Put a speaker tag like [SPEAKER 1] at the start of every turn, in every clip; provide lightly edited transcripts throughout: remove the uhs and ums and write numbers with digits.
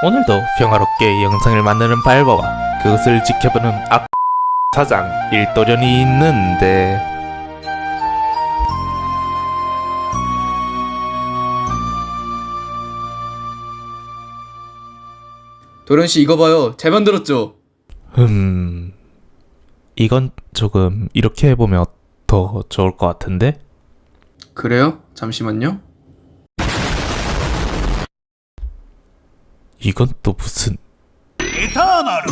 [SPEAKER 1] 오늘도 평화롭게 영상을 만드는 발바와 그것을 지켜보는 사장 일도련이 있는데
[SPEAKER 2] 도련씨 이거 봐요. 잘 만들었죠?
[SPEAKER 1] 이건 조금 이렇게 해보면 더 좋을 것 같은데?
[SPEAKER 2] 그래요? 잠시만요.
[SPEAKER 1] 이건 또 무슨
[SPEAKER 3] 에타나르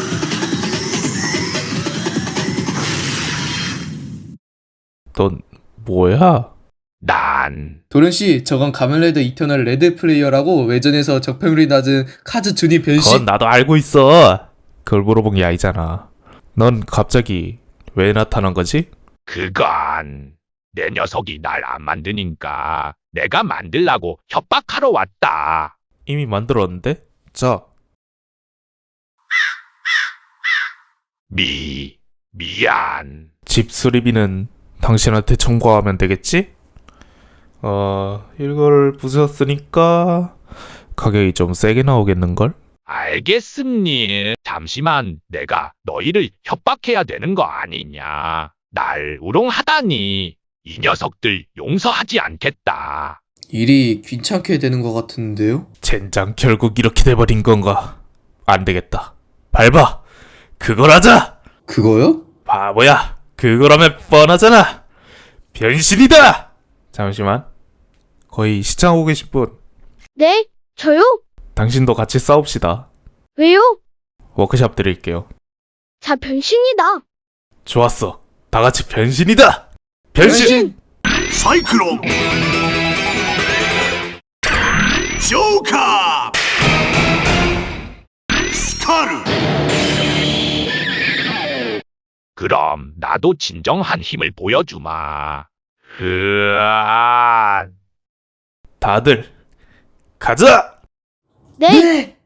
[SPEAKER 1] 넌 뭐야?
[SPEAKER 4] 난
[SPEAKER 2] 도련씨 저건 가면레드 이터널 레드 플레이어라고 외전에서 적평률이 낮은 카즈 주니 변신.
[SPEAKER 1] 그건 나도 알고 있어. 그걸 물어본 게 아니잖아. 넌 갑자기 왜 나타난 거지?
[SPEAKER 4] 그건 내 녀석이 날 안 만드니까 내가 만들라고 협박하러 왔다.
[SPEAKER 1] 이미 만들었는데? 자,
[SPEAKER 4] 미안.
[SPEAKER 1] 집 수리비는 당신한테 청구하면 되겠지? 이걸 부셨으니까 가격이 좀 세게 나오겠는걸?
[SPEAKER 4] 알겠습니. 잠시만, 내가 너희를 협박해야 되는 거 아니냐. 날 우롱하다니. 이 녀석들 용서하지 않겠다.
[SPEAKER 2] 일이 귀찮게 되는 것 같은데요?
[SPEAKER 1] 젠장 결국 이렇게 돼버린 건가? 안 되겠다. 밟아! 그걸 하자!
[SPEAKER 2] 그거요?
[SPEAKER 1] 바보야! 그거라면 뻔하잖아! 변신이다! 잠시만. 거의 시청하고 계신 분.
[SPEAKER 5] 네? 저요?
[SPEAKER 1] 당신도 같이 싸웁시다.
[SPEAKER 5] 왜요?
[SPEAKER 1] 워크샵 드릴게요.
[SPEAKER 5] 자, 변신이다.
[SPEAKER 1] 좋았어. 다 같이 변신이다! 변신!
[SPEAKER 3] 사이클론 조카 스카르
[SPEAKER 4] 그럼 나도 진정한 힘을 보여주마. 으아.
[SPEAKER 1] 다들 가자!
[SPEAKER 5] 네?